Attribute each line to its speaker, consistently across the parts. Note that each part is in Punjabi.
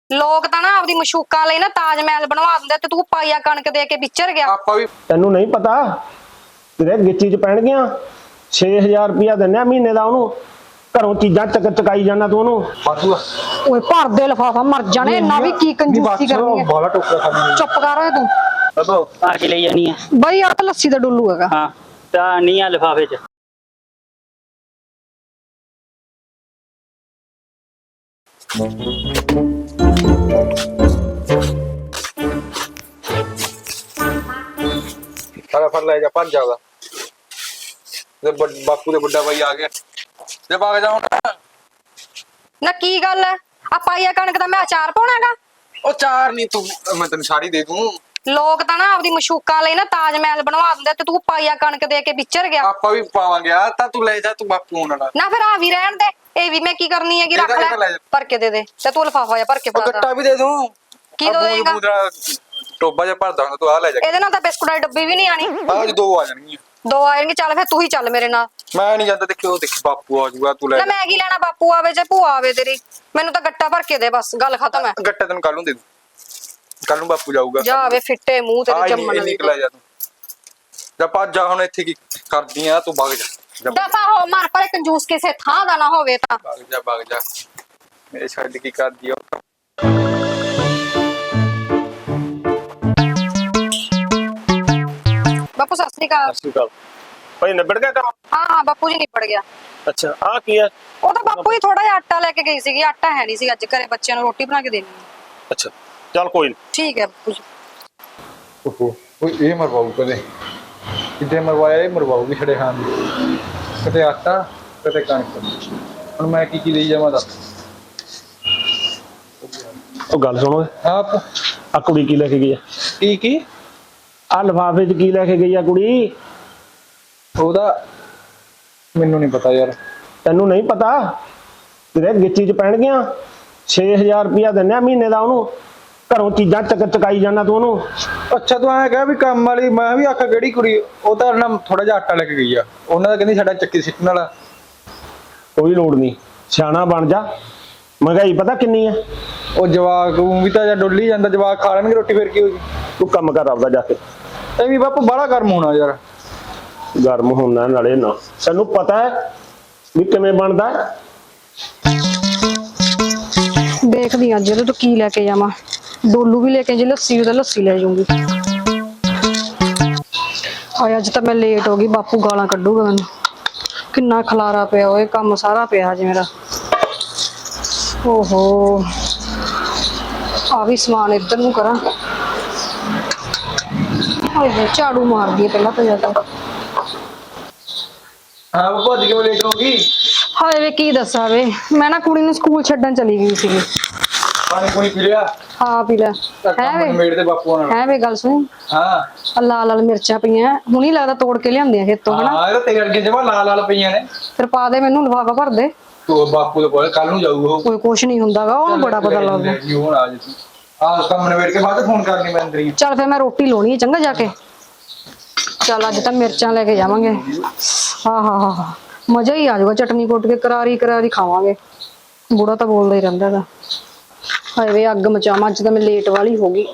Speaker 1: ਲੋਕ ਤਾਂ ਨਾ ਆਪਦੀ ਮਸ਼ੂਕਾਂ ਲਈ ਨਾ ਤਾਜ ਮਹਿਲ ਬਣਵਾ ਦਿੰਦੇ ਤੇ ਤੂੰ ਪਾਈਆ ਕਣਕ ਦੇ ਕੇ ਵਿਚਰ ਗਿਆ।
Speaker 2: ਆਪਾਂ ਵੀ
Speaker 3: ਤੈਨੂੰ ਨਹੀਂ ਪਤਾ ਤੇਰੇ ਗਿੱਚੀ 'ਚ ਪੈਣਗੀਆਂ 6000 ਰੁਪਇਆ ਦਿੰਨੇ ਆ ਮਹੀਨੇ ਦਾ ਉਹਨੂੰ। ਘਰੋਂ ਚੀਜ਼ਾਂ ਚਕਾਈ ਜਾਣਾ ਤੂੰ ਉਹਨੂੰ।
Speaker 2: ਬਾਸੂ
Speaker 1: ਓਏ ਭਰ ਦੇ ਲਫਾਫਾ ਮਰ ਜਾਣੇ ਇੰਨਾ ਵੀ ਕੀ ਕੰਜੂਸੀ ਕਰਨੀ ਹੈ।
Speaker 2: ਬਾਲਾ ਟੋਕਰਾ ਖਾਣੀ
Speaker 1: ਚੁੱਪ ਕਰ ਓਏ ਤੂੰ।
Speaker 4: ਬਾਬਾ ਆ ਕੇ ਲਈ ਜਾਣੀ ਆ
Speaker 1: ਬਈ ਆ ਤਾਂ ਲੱਸੀ ਦਾ ਡੁੱਲੂ ਹੈਗਾ।
Speaker 4: ਹਾਂ ਤਾਂ ਨਹੀਂ ਆ ਲਿਫਾਫੇ ਚ।
Speaker 2: ਸਾਰਾ ਫੜ ਲੈ ਜਾ ਭੱਜ ਜਾਊਗਾ ਤੇ ਬਾਪੂ ਦੇ ਵੱਡਾ ਭਾਈ ਆ ਗਿਆ ਜੇ ਭਾਗ ਜਾ ਹੁਣ।
Speaker 1: ਨਾ ਕੀ ਗੱਲ ਹੈ ਆ ਪਾਈਆ ਕਣਕ ਦਾ ਮੈਂ ਅਚਾਰ ਪਾਉਣਾਗਾ।
Speaker 2: ਉਹ ਚਾਰ ਨਹੀਂ ਤੂੰ ਮੈਂ ਤੈਨੂੰ ਸਾੜੀ ਦੇ ਦੂੰ।
Speaker 1: ਲੋਕ ਤਾਂ ਨਾ ਆਪਦੀ ਮਸ਼ੂਕਾਂ ਲਈ ਨਾ ਤਾਜ ਮਹਿਲ ਬਣਵਾ ਦਿੰਦੇ ਤੇ ਤੂੰ ਪਾਈਆ ਕਣਕ ਦੇ ਕੇ ਵਿਚਰ ਗਿਆ।
Speaker 2: ਆਪਾਂ ਵੀ ਪਾਵਾਂਗੇ ਆ ਤਾਂ ਤੂੰ ਲੈ ਜਾ ਤੂੰ ਬਾਪੂ ਹੁਣ ਨਾਲ।
Speaker 1: ਨਾ ਫਿਰ ਆ ਵੀ ਰਹਿਣ ਦੇ ਇਹ ਵੀ ਮੈਂ ਕੀ ਕਰਨੀ ਹੈਗੀ ਰੱਖ
Speaker 2: ਇਹਦਾ ਲੈ
Speaker 1: ਲੈ
Speaker 2: ਜਾ।
Speaker 1: ਭਰ ਕੇ ਦੇ ਤੇ ਤੂੰ ਲਫਾਫਾ ਜਾਂ ਭਰ ਕੇ
Speaker 2: ਉਹ
Speaker 1: ਪਾ
Speaker 2: ਗੱਟਾ ਵੀ ਦੇ ਦੂੰ।
Speaker 1: ਕੀ ਦੋ ਦੇਗਾ
Speaker 2: ਟੋਬਾ ਜਿਹਾ ਭਰਦਾ ਹੁੰਦਾ ਤੂੰ ਆ ਲੈ ਜਾ।
Speaker 1: ਇਹਦੇ ਨਾਲ ਤਾਂ ਬਿਸਕੁਟ ਦੀ ਡੱਬੀ ਵੀ ਨਹੀਂ ਆਣੀ।
Speaker 2: ਅੱਜ ਦੋ ਆ ਜਾਣਗੀਆਂ।
Speaker 1: ਦੋ ਆਏਂਗੇ ਚੱਲ ਫਿਰ ਤੂੰ ਹੀ ਚੱਲ ਮੇਰੇ ਨਾਲ।
Speaker 2: ਮੈਂ ਨਹੀਂ ਜਾਂਦਾ ਦੇਖਿਓ ਦੇਖ ਬਾਪੂ ਆ ਜੂਗਾ ਤੂੰ ਲੈ
Speaker 1: ਨਾ ਮੈਂ ਕੀ ਲੈਣਾ ਬਾਪੂ ਆਵੇ ਜਾਂ ਭੂਆ ਆਵੇ ਤੇਰੀ ਮੈਨੂੰ ਤਾਂ ਗੱਟਾ ਭਰ ਕੇ ਦੇ ਬਸ ਗੱਲ ਖਤਮ ਹੈ।
Speaker 2: ਗੱਟਾ ਤੈਨੂੰ ਕੱਲ ਨੂੰ ਦੇ ਦੂੰ। ਕੱਲ ਨੂੰ ਬਾਪੂ ਜਾਊਗਾ
Speaker 1: ਜਾ ਆਵੇ ਫਿੱਟੇ ਮੂੰਹ ਤੇਰੇ ਜੰਮਣ ਵਾਲੇ
Speaker 2: ਨਿਕਲ ਜਾ ਤੂੰ ਜਾ ਭੱਜ ਜਾ ਹੁਣ ਇੱਥੇ ਕੀ ਕਰਦੀ ਆ ਤੂੰ ਭੱਗ ਜਾ
Speaker 1: ਦਫਾ ਹੋ ਮਰ ਪਰ ਕੰਜੂਸ ਕਿਸੇ ਥਾਂ ਦਾ ਨਾ ਹੋਵੇ ਤਾਂ।
Speaker 2: ਭੱਗ ਜਾ ਮੇਰੇ ਛੱਡ ਕੀ ਕਰਦੀ ਆ।
Speaker 1: ਬਾਪੂ ਸਤਿ ਸ੍ਰੀ ਅਕਾਲ।
Speaker 3: ਸਤਿ ਸ਼੍ਰੀ ਅਕਾਲ ਭਾਈ। ਨਿਬੜ ਗਿਆ ਕੰਮ?
Speaker 1: ਹਾਂ ਬਾਪੂ ਜੀ ਨਿਬੜ ਗਿਆ।
Speaker 3: ਅੱਛਾ ਆ ਕੀ ਹੈ?
Speaker 1: ਉਹ ਤਾਂ ਬਾਪੂ ਜੀ ਥੋੜਾ ਜਿਹਾ ਆਟਾ ਲੈ ਕੇ ਗਈ ਸੀਗੀ ਆਟਾ ਹੈ ਨਹੀਂ ਸੀ ਅੱਜ ਘਰੇ ਬੱਚਿਆਂ ਨੂੰ ਰੋਟੀ ਬਣਾ ਕੇ ਦੇਣੀ ਹੈ।
Speaker 3: ਅੱਛਾ ਚੱਲ ਕੋਈ ਨਹੀਂ।
Speaker 1: ਠੀਕ ਹੈ ਬਾਪੂ ਜੀ।
Speaker 2: ਓਹੋ ਕੋਈ ਇਹ ਮਰਵਾਉ ਕਦੇ ਕਿਤੇ ਮਰਵਾਇਆ ਇਹ ਮਰਵਾਉ ਵੀ ਛੜੇ ਖਾਣ ਦੀ ਕਦੇ ਆਟਾ ਕਦੇ ਕਣਕ। ਹੁਣ ਮੈਂ ਕੀ ਲਈ ਜਾਵਾਂ ਦੱਸ।
Speaker 3: ਉਹ ਗੱਲ ਸੁਣੋ
Speaker 2: ਆਪ
Speaker 3: ਆ ਕੁੜੀ ਕੀ ਲੈ ਕੇ ਗਈ ਆ?
Speaker 2: ਕੀ
Speaker 3: ਆ ਲਿਫਾਫੇ 'ਚ ਕੀ ਲੈ ਕੇ ਗਈ ਆ ਕੁੜੀ?
Speaker 2: ਉਹਦਾ ਮੈਨੂੰ ਨਹੀਂ ਪਤਾ ਯਾਰ।
Speaker 3: ਤੈਨੂੰ ਨਹੀਂ ਪਤਾ ਤੇਰੇ ਗਿੱਚੀ 'ਚ ਪੈਣਗੀਆਂ 6000 ਰੁਪਇਆ ਦਿੰਨੇ ਆ ਮਹੀਨੇ ਦਾ ਉਹਨੂੰ। ਘਰੋਂ ਚੀਜ਼ਾਂ ਚਕਾਈ ਜਾਣਾ ਤੂੰ ਉਹਨੂੰ।
Speaker 2: ਅੱਛਾ ਤੂੰ ਐਂ ਕਹਿ ਵੀ ਕੰਮ ਵਾਲੀ ਮੈਂ ਵੀ ਆਖਾ ਕਿਹੜੀ ਕੁੜੀ ਉਹ ਤਾਂ ਨਾ ਥੋੜਾ ਜਿਹਾ ਆਟਾ ਲੈ ਕੇ ਗਈ ਆ ਉਹਨਾਂ ਦਾ ਕਹਿੰਦੀ ਸਾਡਾ ਚੱਕੀ ਸਿੱਟਣ ਵਾਲਾ।
Speaker 3: ਕੋਈ ਲੋੜ ਨਹੀਂ ਸਿਆਣਾ ਬਣ ਜਾ। ਮਹਿੰਗਾਈ ਪਤਾ ਕਿੰਨੀ ਆ?
Speaker 2: ਉਹ ਜਵਾਕ ਵੀ ਤਾਂ ਜਾਂ ਡੁੱਲੀ ਜਾਂਦਾ ਜਵਾਕ ਖਾ ਲੈਣਗੇ ਰੋਟੀ ਫਿਰ ਕੀ ਹੋਊਗੀ।
Speaker 3: ਤੂੰ ਕੰਮ ਕਰ ਆਪਦਾ ਜਾ ਕੇ।
Speaker 2: ਇਹ ਵੀ ਬਾਪੂ ਬਾਹਲਾ ਗਰਮ ਹੋਣਾ ਯਾਰ।
Speaker 3: ਗਰਮ ਹੋਣਾ ਨਾਲੇ ਨਾ ਤੈਨੂੰ ਪਤਾ ਹੈ ਵੀ ਕਿਵੇਂ ਬਣਦਾ।
Speaker 1: ਦੇਖਦੀ ਅੱਜ ਇਹਦੇ ਤੋਂ ਕੀ ਲੈ ਕੇ ਜਾਵਾਂ। ਡੋਲੂ ਵੀ ਲੈ ਕੇ ਜੇ ਲੱਸੀ ਉਹਦਾ ਲੱਸੀ ਲੈ ਜਾਊਂਗੀ। ਹਾਏ ਅੱਜ ਤਾਂ ਮੈਂ ਲੇਟ ਹੋ ਗਈ ਬਾਪੂ ਗਾਲਾਂ ਕੱਢੂਗਾ ਮੈਨੂੰ। ਕਿੰਨਾ ਖਲਾਰਾ ਪਿਆ ਓਏ ਕੰਮ ਸਾਰਾ ਪਿਆ ਅੱਜ ਮੇਰਾ। ਓਹੋ ਆ ਵੀ ਸਮਾਨ ਇੱਧਰ ਨੂੰ ਕਰਾਂ। ਹਾਏ ਝਾੜੂ ਮਾਰਦੀ ਹੈ ਪਹਿਲਾਂ ਤਾਂ ਜ਼ਿਆਦਾ।
Speaker 2: ਹਾਂ ਬਾਪੂ ਅੱਜ ਕਿਵੇਂ ਲੇਟ ਹੋ ਗਈ?
Speaker 1: ਹਾਏ ਵੇ ਕੀ ਦੱਸਾਂ ਵੇ ਮੈਂ ਨਾ ਕੁੜੀ ਨੂੰ ਸਕੂਲ ਛੱਡਣ ਚਲੀ ਗਈ ਸੀਗੀ।
Speaker 2: ਪਾਣੀ ਪੂਣੀ ਪੀ ਲਿਆ?
Speaker 1: ਹਾਂ ਪੀ ਲੈ।
Speaker 2: ਹੈ ਵੇ ਮੇੜ ਦੇ ਬਾਪੂ ਨਾਲ।
Speaker 1: ਹੈ ਵੇ ਗੱਲ ਸੁਣ।
Speaker 2: ਹਾਂ
Speaker 1: ਲਾਲ ਲਾਲ ਮਿਰਚਾਂ ਪਈਆਂ ਹੁਣੀ ਲੱਗਦਾ ਤੋੜ ਕੇ ਲਿਆਂਦੀਆਂ ਖੇਤੋਂ ਹਨਾ।
Speaker 2: ਹਾਂ ਇਹ ਤੇਰੇ ਅੱਗੇ ਜਮਾ ਲਾਲ ਲਾਲ ਪਈਆਂ ਨੇ।
Speaker 1: ਫਿਰ ਪਾ ਦੇ ਮੈਨੂੰ ਲਿਫਾਫਾ ਭਰ ਦੇ।
Speaker 2: ਤੂੰ ਬਾਪੂ ਦੇ ਕੋਲ ਕੱਲ ਨੂੰ ਜਾਊਗਾ ਉਹ।
Speaker 1: ਕੋਈ ਕੁਛ ਨਹੀਂ ਹੁੰਦਾਗਾ ਉਹਨੂੰ ਬੜਾ ਪਤਾ ਲੱਗਦਾ।
Speaker 2: ਹੁਣ ਆ ਜੀ ਆਹ ਕੰਮ ਨਵੇੜ ਕੇ ਬਾਅਦ ਫੋਨ ਕਰਨੀ ਮੈਂ ਅੰਦਰ ਹੀ।
Speaker 1: ਚੱਲ ਫਿਰ ਮੈਂ ਰੋਟੀ ਲਾਉਣੀ ਹੈ ਚੰਗਾ ਜਾ ਕੇ। ਚੱਲ ਅੱਜ ਤਾਂ ਮਿਰਚਾਂ ਲੈ ਕੇ ਜਾਵਾਂਗੇ। ਹਾਂ ਹਾਂ ਹਾਂ ਹਾਂ ਮਜ਼ਾ ਹੀ ਆ ਜਾਊਗਾ ਚਟਨੀ ਕੁੱਟ ਕੇ ਕਰਾਰੀ ਕਰਾਰੀ ਖਾਵਾਂਗੇ। ਬੁੜਾ ਤਾਂ ਬੋਲਦਾ ਹੀ ਰਹਿੰਦਾ ਹੈਗਾ। ਹਾਏ ਵੇ ਅੱਗ ਮਚਾਵਾਂ ਅੱਜ ਤਾਂ ਮੈਂ ਲੇਟ ਵਾਲੀ ਹੋ ਗਈ।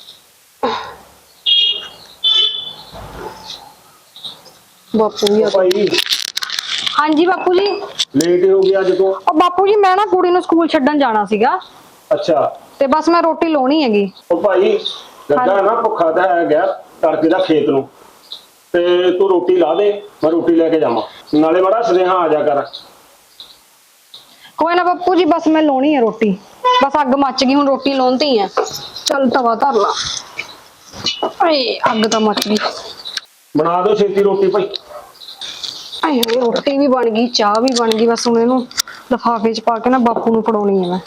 Speaker 1: ਬਾਪੂ ਵੀ ਆ
Speaker 3: ਭਾਈ
Speaker 1: ਹਾਂਜੀ ਬਾਪੂ ਜੀ।
Speaker 3: ਲੇਟ ਹੋ ਗਿਆ ਅੱਜ ਤੋਂ।
Speaker 1: ਉਹ ਬਾਪੂ ਜੀ ਮੈਂ ਨਾ ਕੁੜੀ ਨੂੰ ਸਕੂਲ ਛੱਡਣ ਜਾਣਾ ਸੀਗਾ
Speaker 3: ਅੱਛਾ
Speaker 1: ਤੇ ਬਸ ਮੈਂ ਰੋਟੀ ਲਾਉਣੀ ਹੈਗੀ।
Speaker 3: ਉਹ ਭਾਈ ਲੱਗਾ ਨਾ ਭੁੱਖਾ ਤਾਂ ਹੈ ਗਿਆ ਤੜਕੇ ਦਾ ਖੇਤ ਨੂੰ ਤੇ ਤੂੰ ਰੋਟੀ ਲਾ ਦੇ ਮੈਂ ਰੋਟੀ ਲੈ ਕੇ ਜਾਵਾਂ ਨਾਲੇ ਬੜਾ ਸੁਨੇਹਾ ਆ ਜਾ ਕਰ।
Speaker 1: ਕੋਈ ਨਾ ਬਾਪੂ ਜੀ ਬਸ ਮੈਂ ਲਾਉਣੀ ਹੈ ਰੋਟੀ। ਬਸ ਅੱਗ ਮੱਚ ਗਈ ਹੁਣ ਰੋਟੀ ਲਾਉਂਦੀ ਆ। ਚੱਲ ਤਵਾ ਧਰ ਲਾ। ਏ ਅੱਗ ਤਾਂ ਮੱਚ ਗਈ।
Speaker 3: ਬਣਾ ਦਿਓ ਛੇਤੀ ਰੋਟੀ ਭਾਈ।
Speaker 1: ਆਏ ਰੋਟੀ ਵੀ ਬਣ ਗਈ ਚਾਹ ਵੀ ਬਣ ਗਈ ਬਸ ਹੁਣ ਇਹਨੂੰ ਲਿਫਾਫੇ 'ਚ ਪਾ ਕੇ ਨਾ ਬਾਪੂ ਨੂੰ ਫੜਾਉਣੀ ਹੈ ਮੈਂ।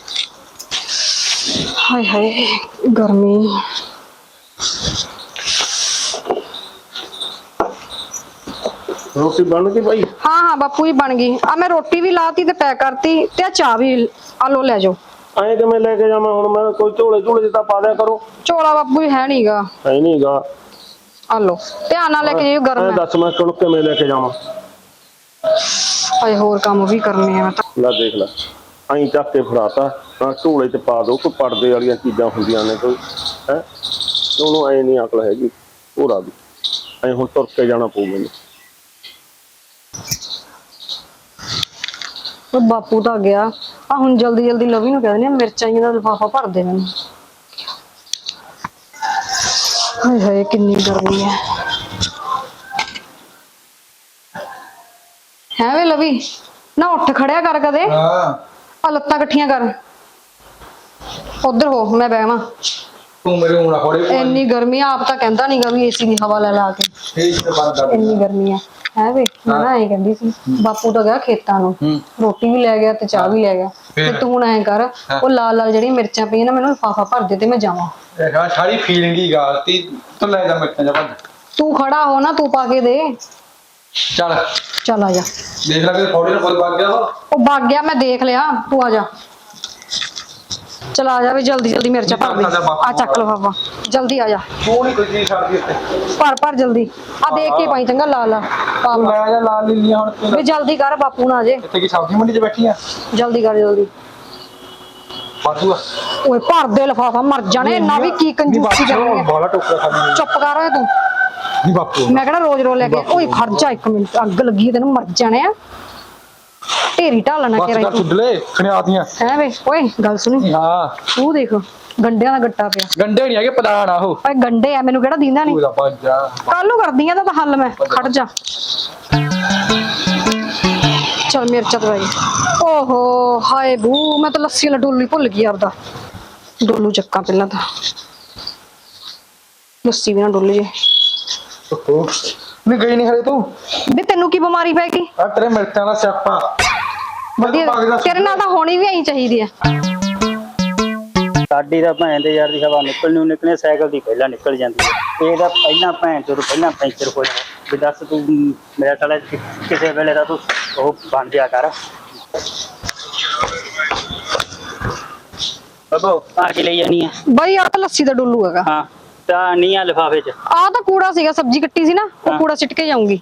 Speaker 1: ਹਾਏ ਹਾਏ ਗਰਮੀ।
Speaker 3: ਰੋਟੀ ਬਣ ਗਈ ਭਾਈ?
Speaker 1: ਹਾਂ ਹਾਂ ਬਾਪੂ ਜੀ ਬਣ ਗਈ। ਆ ਮੈਂ ਰੋਟੀ ਵੀ ਲਾਤੀ ਤੇ ਪੈਕ ਕਰਤੀ ਤੇ ਆ ਚਾਹ ਵੀ ਆ ਲੋ ਲੈ ਜਾਓ।
Speaker 3: ਐਂ ਕਿਵੇਂ ਲੈ ਕੇ ਜਾਵਾਂ ਹੁਣ ਮੈਂ? ਕੋਈ ਝੋਲੇ ਝੋਲੇ ਤਾਂ ਪਾ ਦਿਆ ਕਰੋ।
Speaker 1: ਝੋਲਾ ਬਾਪੂ ਜੀ ਹੈ ਨਹੀਂਗਾ।
Speaker 3: ਹੈ ਨਹੀਂਗਾ।
Speaker 1: ਆ ਲੋ ਧਿਆਨ ਨਾਲ ਲੈ ਕੇ ਜਾਇਓ ਗਰਮ ਹੈ।
Speaker 3: ਦੱਸ ਮੈਂ ਕਿਵੇਂ ਲੈ ਕੇ ਜਾਵਾਂ?
Speaker 1: ਹਾਏ ਹੋਰ ਕੰਮ ਵੀ ਕਰਨੇ ਆ ਮੈਂ ਤਾਂ।
Speaker 3: ਲੈ ਦੇਖ ਲੈ ਐਂ ਚੱਕ ਕੇ ਫੜਾਤਾ ਹਾਂ ਢੋਲੇ 'ਚ ਪਾ ਦੋ, ਕੋਈ ਪੜਦੇ ਵਾਲੀਆਂ ਚੀਜ਼ਾਂ ਹੁੰਦੀਆਂ ਨੇ ਕੋਈ ਹੈ, ਉਹਨੂੰ ਐ ਨਹੀਂ ਅਕਲ ਹੈਗੀ ਘੋੜਾ ਦੀ, ਐ ਹੁਣ ਤੁਰ ਕੇ ਜਾਣਾ ਪਊ ਮੈਨੂੰ।
Speaker 1: ਉਹ ਬਾਪੂ ਤਾਂ ਗਿਆ ਆ, ਹੁਣ ਜਲਦੀ ਜਲਦੀ ਲਵੀ ਨੂੰ ਕਹਿ ਦਿੰਦੀ ਆ ਮਿਰਚਾਂ ਦਾ ਲਿਫਾਫਾ ਭਰ ਦੇ ਮੈਨੂੰ। ਹਾਏ ਹਾਏ ਕਿੰਨੀ ਗਰਮੀ ਹੈ ਵੇ ਲਵੀ, ਨਾ ਉੱਠ ਖੜਿਆ ਕਰ ਕਦੇ,
Speaker 2: ਹਾਂ
Speaker 1: ਆ ਲੱਤਾਂ ਇਕੱਠੀਆਂ ਕਰ, ਉਧਰ ਹੋ ਮੈਂ ਬਹਿਵਾਂ।
Speaker 2: ਤੂੰ ਮੇਰੇ ਹੁਣ ਖੋੜੇ
Speaker 1: ਇੰਨੀ ਗਰਮੀ ਆ, ਆਪ ਤਾਂ ਕਹਿੰਦਾ ਨੀਗਾ ਵੀ ਏਸੀ ਦੀ ਹਵਾ ਲੈ ਲਾ ਕੇ,
Speaker 2: ਠੀਕ ਤੇ ਬੰਦ ਕਰ।
Speaker 1: ਇੰਨੀ ਗਰਮੀ ਹੈ ਵੇ। ਮੈਂ ਨਾ ਐਂ ਕਹਿੰਦੀ ਸੀ, ਬਾਪੂ ਤਾਂ ਗਿਆ ਖੇਤਾਂ ਨੂੰ, ਰੋਟੀ ਵੀ ਲੈ ਗਿਆ ਤੇ ਚਾਹ ਵੀ ਲੈ ਗਿਆ, ਤੇ ਤੂੰ ਹੁਣ ਐਂ ਕਰ, ਉਹ ਲਾਲ ਲਾਲ ਜਿਹੜੀਆਂ ਮਿਰਚਾਂ ਪਈਆਂ ਨਾ ਮੈਨੂੰ ਲਿਫਾਫਾ ਭਰ ਦੇ ਤੇ ਮੈਂ ਜਾਵਾਂ।
Speaker 2: ਇਹ ਸਾਰੀ ਫੀਲਿੰਗ ਹੀ ਗਾਲਤੀ, ਤੂੰ ਲੈ ਜਾ ਮਿਰਚਾਂ ਜਾ ਭੱਜ।
Speaker 1: ਤੂੰ ਖੜਾ ਹੋ ਨਾ, ਤੂੰ ਪਾ ਕੇ ਦੇ।
Speaker 2: ਚੱਲ
Speaker 1: ਚੱਲ ਆ ਜਾ।
Speaker 2: ਦੇਖ ਲੈ ਕਿ ਥੋੜੀ ਨਾ ਫੁੱਲ ਬਣ ਗਿਆ
Speaker 1: ਉਹ ਵਗ ਗਿਆ, ਮੈਂ ਦੇਖ ਲਿਆ, ਤੂੰ ਆ ਜਾ। ਚਲ ਆ ਜਾ ਵੀ ਜਲਦੀ ਜਲਦੀ ਮਿਰਚਾਂ ਭਰ ਦੇ, ਆ ਚੱਕ ਲਿਫਾਫਾ ਜਲਦੀ ਆ ਜਾ।
Speaker 2: ਤੂੰ ਨਹੀਂ ਕੋਈ ਚੀਜ਼ ਛੱਡਦੀ ਇੱਥੇ।
Speaker 1: ਭਰ ਜਲਦੀ, ਆ ਦੇਖ ਕੇ ਪਾਈ ਚੰਗਾ ਲਾਲ ਲਾਲ ਪਾ
Speaker 2: ਤੂੰ ਲੈ ਜਾ ਲਾਲ ਲੀਲੀਆਂ ਹੁਣ ਤੂੰ।
Speaker 1: ਵੀ ਜਲਦੀ ਕਰ, ਬਾਪੂ ਨਾ ਆ ਜੇ।
Speaker 2: ਇੱਥੇ ਕੀ ਸਬਜ਼ੀ ਮੰਡੀ 'ਚ ਬੈਠੀ ਆ?
Speaker 1: ਜਲਦੀ ਕਰ ਜਲਦੀ।
Speaker 2: ਬਾਜੂ ਆ
Speaker 1: ਓਏ ਭਰ ਦੇ ਲਿਫਾਫਾ, ਮਰ ਜਾਣੇ ਨਾ ਵੀ ਕੀ ਕੰਜੂਸੀ ਕਰਨੀ ਹੈ।
Speaker 2: ਬਾਲਾ ਟੋਕਰਾ ਖਾਣੀ
Speaker 1: ਚੁੱਪ ਕਰ ਓਏ ਤੂੰ,
Speaker 2: ਨਹੀਂ ਬਾਪੂ।
Speaker 1: ਮੈਂ ਕਿਹੜਾ ਰੋਜ਼ ਰੋਜ਼ ਲੈ ਕੇ, ਓਏ ਖੜ ਜਾ ਇੱਕ ਮਿੰਟ, ਅੱਗ ਲੱਗੀ ਤੈਨੂੰ, ਮਰ ਜਾਣੇ ਆ। ਢੇਰੀ ਢਾਲਣਾ
Speaker 2: ਬਸ
Speaker 1: ਕੇ
Speaker 2: ਕਰ ਛੁੱਡਲੇ ਖਣਿਆਤੀਆਂ
Speaker 1: ਹੈ ਵੇ। ਓਏ ਗੱਲ ਸੁਣੀ,
Speaker 2: ਹਾਂ
Speaker 1: ਤੂੰ ਦੇਖ ਗੰਡਿਆਂ ਦਾ ਗੱਟਾ ਪਿਆ।
Speaker 2: ਗੰਡੇ ਨਹੀਂ ਹੈਗੇ, ਪ੍ਰਧਾਨ ਆ ਉਹ।
Speaker 1: ਓਏ ਗੰਡੇ ਆ, ਮੈਨੂੰ ਕਿਹੜਾ ਦੀਂਦਾ ਨਹੀਂ।
Speaker 2: ਪੂਰਾ ਪੰਜਾ
Speaker 1: ਕੱਲ ਨੂੰ ਕਰਦੀ ਆ ਤਾਂ ਹੱਲ ਮੈਂ, ਖੜ ਜਾ। ਚਲ ਮਿਰਚਾਂ ਦਵਾਈ। ਓਹੋ ਹਾਏ ਬੂ, ਮੈਂ ਤਾਂ ਲੱਸੀ ਵਾਲਾ ਡੋਲੂ ਹੀ ਭੁੱਲ ਗਈ ਆਪਦਾ। ਡੋਲੂ ਚੱਕਾਂ ਪਹਿਲਾਂ ਤਾਂ, ਲੱਸੀ ਵੀ ਨਾ ਡੁੱਲ ਜੇ।
Speaker 2: ਓਹੋ ਨਹੀਂ ਗਈ ਨਹੀਂ ਹਲੇ ਤੂੰ।
Speaker 1: ਵੀ ਤੈਨੂੰ ਕੀ ਬਿਮਾਰੀ ਪੈ ਗਈ?
Speaker 2: ਆ ਤੇਰੇ ਮਿਰਚਾਂ ਦਾ ਸਿਆਪਾ।
Speaker 1: ਵਧੀਆ, ਤੇਰੇ ਨਾਲ ਤਾਂ ਹੋਣੀ ਵੀ ਐਂ ਚਾਹੀਦੀ ਆ।
Speaker 4: ਸਾਡੀ ਤਾਂ ਭੈਣ ਦੇ ਯਾਰ ਦੀ ਹਵਾ ਨਿਕਲਣੀ ਸਾਈਕਲ ਦੀ ਪਹਿਲਾਂ ਨਿਕਲ ਜਾਂਦੀ ਹੈ, ਇਹਦਾ ਪਹਿਲਾਂ ਭੈਣ ਚੋਂ ਪਹਿਲਾਂ ਪੈਂਚਰ ਹੋ ਜਾਣਾ। ਵੀ ਦੱਸ ਤੂੰ ਮੇਰਾ ਸਾਲਾ ਕਿਸੇ ਵੇਲੇ ਦਾ ਤੂੰ ਉਹ ਬਣ ਜਿਆ ਕਰ। ਬਾਬਾ ਆ ਕੇ ਲਈ ਜਾਨੀ ਆ
Speaker 1: ਬਈ ਆਹ ਤਾਂ ਲੱਸੀ ਦਾ ਡੋਲੂ ਹੈਗਾ।
Speaker 4: ਹਾਂ ਤਾਂ ਨਹੀਂ ਆ ਲਿਫਾਫੇ 'ਚ।
Speaker 1: ਆਹ ਤਾਂ ਕੂੜਾ ਸੀਗਾ, ਸਬਜ਼ੀ ਕੱਟੀ ਸੀ ਨਾ, ਉਹ ਕੂੜਾ ਸਿੱਟ ਕੇ ਜਾਊਂਗੀ।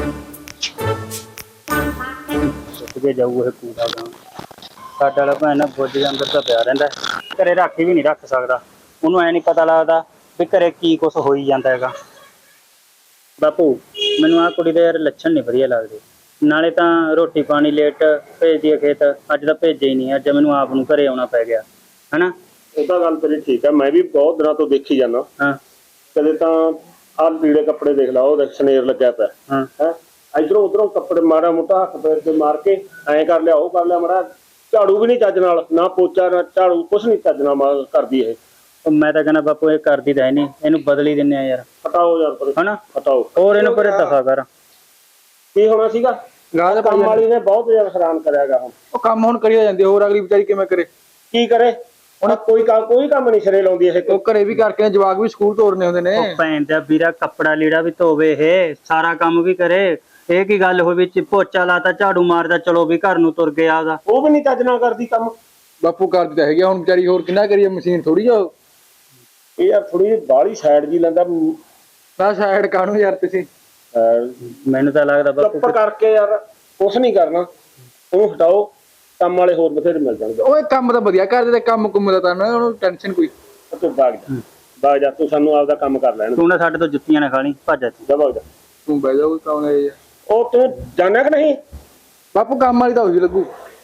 Speaker 4: ਸੁੱਟ ਕੇ ਜਾਊ ਇਹ ਕੂੜਾ ਗਾਂ। ਸਾਡਾ ਵਾਲਾ ਭੈਣ ਨਾ ਬੁੱਝ ਦੇ ਅੰਦਰ ਤਾਂ ਪਿਆ ਰਹਿੰਦਾ, ਘਰੇ ਰਾਖੀ ਵੀ ਨਹੀਂ ਰੱਖ ਸਕਦਾ। ਉਹਨੂੰ ਐ ਨਹੀਂ ਪਤਾ ਲੱਗਦਾ ਵੀ ਘਰੇ ਕੀ ਕੁਛ ਹੋਈ ਜਾਂਦਾ ਹੈਗਾ। ਬਾਪੂ ਮੈਨੂੰ ਆਹ ਕੁੜੀ ਦੇ ਯਾਰ ਲੱਛਣ ਨਹੀਂ ਵਧੀਆ ਲੱਗਦੇ। ਨਾਲੇ ਤਾਂ ਰੋਟੀ ਪਾਣੀ ਲੇਟ ਭੇਜਦੀ ਹੈ ਖੇਤ, ਅੱਜ ਤਾਂ ਭੇਜਿਆ ਹੀ ਨਹੀਂ, ਅੱਜ ਮੈਨੂੰ ਆਪ ਨੂੰ ਘਰੇ ਆਉਣਾ ਪੈ ਗਿਆ ਹਨਾ।
Speaker 3: ਉਹ ਤਾਂ ਗੱਲ ਤੇਰੀ ਠੀਕ ਆ, ਮੈਂ ਵੀ ਬਹੁਤ ਦਿਨਾਂ ਤੋਂ ਦੇਖੀ ਜਾਂਦਾ।
Speaker 4: ਹਾਂ
Speaker 3: ਕਦੇ ਤਾਂ ਆਹ ਲੀੜੇ ਕੱਪੜੇ ਦੇਖ ਲਾ, ਉਹ ਸਨੇਰ ਲੱਗਿਆ ਪਿਆ
Speaker 4: ਹਾਂ
Speaker 3: ਹੈ, ਇਧਰੋਂ ਉਧਰੋਂ ਕੱਪੜੇ ਮਾੜਾ ਮੋਟਾ ਹੱਥ ਪੈਰ ਤੇ ਮਾਰ ਕੇ ਐਂ ਕਰ ਲਿਆ, ਉਹ ਕਰ ਲਿਆ, ਮਾੜਾ ਝਾੜੂ ਵੀ ਨਹੀਂ ਚੱਜ ਨਾਲ, ਨਾ ਪੋਚਾ ਨਾ ਝਾੜੂ, ਕੁਛ ਨਹੀਂ ਚੱਜ ਨਾਲ ਕਰਦੀ ਇਹ।
Speaker 4: ਉਹ ਮੈਂ ਤਾਂ ਕਹਿੰਦਾ ਬਾਪੂ ਇਹ ਕਰਦੀ ਤਾਂ ਹੈ ਨਹੀਂ, ਇਹਨੂੰ ਬਦਲ ਹੀ ਦਿੰਨੇ ਆ ਯਾਰ।
Speaker 3: ਹਟਾਓ ਯਾਰ ਪਰੇ,
Speaker 4: ਹਨਾ
Speaker 3: ਹਟਾਓ।
Speaker 4: ਹੋਰ ਇਹਨੂੰ ਪਰੇ ਦਫਾ ਕਰ।
Speaker 3: ਕੀ ਹੋਣਾ ਸੀਗਾ?
Speaker 2: ਗਾਹ
Speaker 3: ਕੰਮ ਵਾਲੀ ਨੇ ਬਹੁਤ ਜ਼ਿਆਦਾ ਹੈਰਾਨ ਕਰਿਆਗਾ। ਹੁਣ
Speaker 2: ਉਹ ਕੰਮ ਹੁਣ ਕਰੀ ਜਾਂਦੀ, ਹੋਰ ਅਗਲੀ ਵਿਚਾਰੀ ਕਿਵੇਂ ਕਰੇ?
Speaker 3: ਕੀ ਕਰੇ ਹੁਣ? ਕੋਈ ਕੰਮ ਨਹੀਂ ਸਿਰੇ ਲਾਉਂਦੀ ਇਹ।
Speaker 2: ਉਹ ਘਰੇ ਵੀ ਕਰਕੇ ਜਵਾਕ ਵੀ ਸਕੂਲ ਤੋਰਨੇ ਹੁੰਦੇ ਨੇ।
Speaker 4: ਉਹ ਭੈਣ ਦਾ ਵੀਰਾ ਕੱਪੜਾ ਲੀੜਾ ਵੀ ਧੋਵੇ, ਇਹ ਸਾਰਾ ਕੰਮ ਵੀ ਕਰੇ। ਇਹ ਕੀ ਗੱਲ ਹੋਈ ਵਿੱਚ ਪੋਚਾ ਲਾਤਾ ਝਾੜੂ ਮਾਰਦਾ ਚਲੋ ਵੀ ਘਰ ਨੂੰ ਤੁਰ ਗਿਆ ਉਹਦਾ।
Speaker 3: ਉਹ ਵੀ ਨਹੀਂ ਚੱਜ ਨਾਲ ਕਰਦੀ ਕੰਮ।
Speaker 2: ਬਾਪੂ ਕਰਦੀ ਤਾਂ ਹੈਗੀ, ਹੁਣ ਵਿਚਾਰੀ ਹੋਰ ਕਿੰਨਾ ਕਰੀਏ, ਮਸ਼ੀਨ ਥੋੜੀ ਆ।
Speaker 3: ਇਹ ਯਾਰ ਥੋੜੀ ਜਿਹੀ ਬਾਹਲੀ ਸਾਈਡ ਜੀ ਲੈਂਦਾ।
Speaker 2: ਨਾ ਸਾਈਡ ਕਾਹਨੂੰ ਯਾਰ ਤੁਸੀਂ।
Speaker 4: ਮੈਨੂੰ ਤਾਂ ਲੱਗਦਾ ਬਾਪੂ
Speaker 3: ਚੁੱਪ ਕਰਕੇ ਯਾਰ ਕੁਛ ਨਹੀਂ ਕਰਨਾ, ਉਹਨੂੰ ਹਟਾਓ। ਕੰਮ ਵਾਲੇ ਹੋਰ ਬਥੇਰੇ ਮਿਲ ਜਾਣਗੇ।
Speaker 2: ਓਏ ਕੰਮ ਤਾਂ ਵਧੀਆ ਕਰਦੇ ਤੇ ਕੰਮ ਕੁੰਮ ਦਾ ਤਾਂ ਨਾ ਉਹਨੂੰ ਟੈਨਸ਼ਨ ਕੋਈ।
Speaker 3: ਤੂੰ ਬਾਗ ਜਾ, ਤੂੰ ਸਾਨੂੰ ਆਪਦਾ ਕੰਮ ਕਰ ਲੈਣ।
Speaker 4: ਤੂੰ ਨਾ ਸਾਡੇ ਤੋਂ ਜੁੱਤੀਆਂ ਨਾ ਖਾਣੀ, ਭੱਜ ਜਾ
Speaker 3: ਜਾ ਬਾਗ ਜਾ।
Speaker 2: ਤੂੰ ਬਹਿ ਜਾ, ਕੰਮ ਇਹ
Speaker 3: ਉਹ ਤੂੰ ਜਾਣਿਆ ਕਿ ਨਹੀਂ?
Speaker 2: ਬਾਪੂ ਕੰਮ ਵਾਲੀ ਤਾਂ ਉਹੀ ਲੱਗੂ।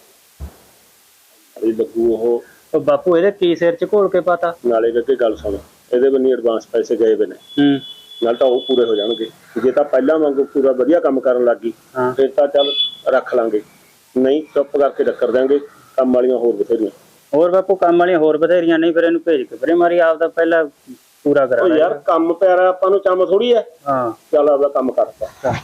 Speaker 3: ਅਰੇ ਲੱਗੂ
Speaker 4: ਉਹ ਬਾਪੂ ਇਹਦੇ ਕੀ ਸਿਰ 'ਚ ਘੋਲ ਕੇ ਪਤਾ।
Speaker 3: ਨਾਲੇ ਅੱਗੇ ਗੱਲ ਸੁਣ, ਇਹਦੇ ਬੰਨੀ ਐਡਵਾਂਸ ਪੈਸੇ ਗਏ ਵੇ ਨੇ, ਨਾਲ ਤਾਂ ਉਹ ਪੂਰੇ ਹੋ ਜਾਣਗੇ। ਜੇ ਤਾਂ ਪਹਿਲਾਂ ਵਾਂਗੂ ਪੂਰਾ ਵਧੀਆ ਕੰਮ ਕਰਨ ਲੱਗੀ ਫਿਰ ਤਾਂ ਚੱਲ ਰੱਖ ਲਾਂਗੇ, ਨਹੀਂ ਚੁੱਪ ਕਰਕੇ ਟੱਕਰ ਦਿਆਂਗੇ। ਕੰਮ ਵਾਲੀਆਂ ਹੋਰ ਬਥੇਰੀਆਂ।
Speaker 4: ਹੋਰ ਬਾਪੂ ਕੰਮ ਵਾਲੀਆਂ ਹੋਰ ਬਥੇਰੀਆਂ, ਨਹੀਂ ਫਿਰ ਇਹਨੂੰ ਭੇਜ ਕੇ ਪਰੇ ਮਾਰੀ, ਆਪਦਾ ਪਹਿਲਾਂ ਪੂਰਾ ਕਰਾ।
Speaker 3: ਉਹ ਯਾਰ ਕੰਮ ਪਿਆਰਾ, ਆਪਾਂ ਨੂੰ ਚੰਮ ਥੋੜੀ ਐ।
Speaker 4: ਹਾਂ
Speaker 3: ਚੱਲ ਆਪਦਾ ਕੰਮ ਕਰਤਾ।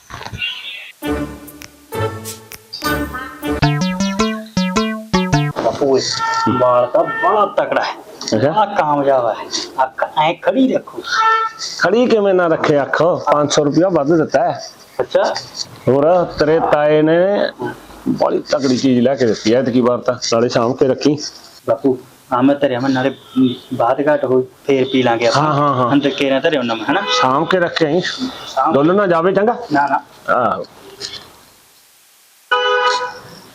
Speaker 4: ਬਾਪੂ ਬਾਲ ਤਾਂ ਬੜਾ ਤਕੜਾ ਹੈ, ਆ ਕਾਮਯਾਬ ਹੈ। ਅੱਖ ਐ ਖੜੀ ਰੱਖੋ।
Speaker 3: ਖੜੀ ਕਿਵੇਂ ਨਾ ਰੱਖੇ ਅੱਖ? 500 ਰੁਪਇਆ ਵੱਧ ਦਿੱਤਾ ਹੈ।
Speaker 4: ਅੱਛਾ
Speaker 3: ਹੋਰ ਤੇਰੇ ਤਾਏ ਨੇ ਬੜੀ ਤਕੜੀ ਚੀਜ਼ ਲੈ ਕੇ ਦਿੱਤੀ ਐ ਐਤਕੀ ਵਾਰ ਤਾਂ, ਨਾਲੇ ਸਾਂਭ ਕੇ ਰੱਖੀ।
Speaker 4: ਬਾਪੂ ਆਮਦ ਧਰਿਆ ਮੈਂ, ਨਾਲੇ ਬਾਤ ਘਾਟ ਹੋਈ ਫੇਰ ਪੀ ਲਾਂਗੇ ਆਪਾਂ।
Speaker 3: ਹਾਂ
Speaker 4: ਅੰਦਰ ਕੇਰਾ ਧਰਿਆ ਉਹਨਾਂ ਮੈਂ ਹਨਾ,
Speaker 3: ਸਾਂਭ ਕੇ ਰੱਖੇ ਆਈ, ਡੁੱਲ ਨਾ ਜਾਵੇ। ਚੰਗਾ
Speaker 4: ਨਾ ਨਾ
Speaker 3: ਆਹੋ।